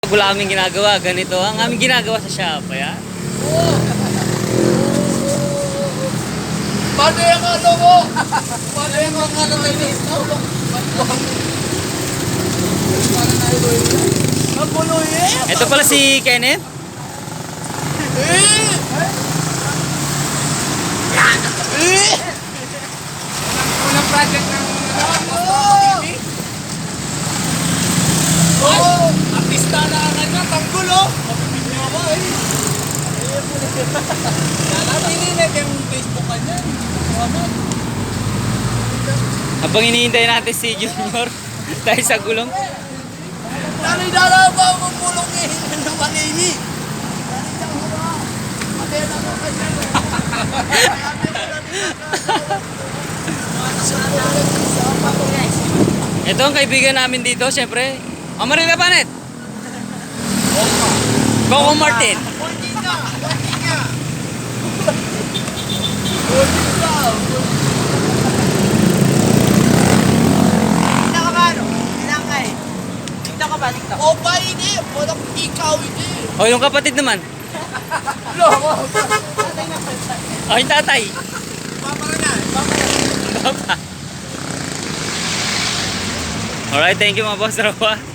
Wala aming ginagawa, ganito ang aming ginagawa sa shop, ya. Paano yung ano mo? Paano yung ano mo dito? Napuloy eh! Ito pala si Kenneth. Unang project ng oh! Artista na kanya, tanggol oh! Mapipili ako eh! Nalapinig yung Facebook kanya. Habang hinihintay natin si Junior dahil sa gulong. Nalidala ba ang pulong eh? Ng manini? Matena mo kanya. Ito ang kaibigan namin dito, syempre. Amaril ka, Panet? Coco Martin. O ba ini? Walang ikaw ini. O, yung kapatid naman. Loko. O, yung tatay. Papa na. Papa na. Baba. Alright, thank you mga boss. Rawa.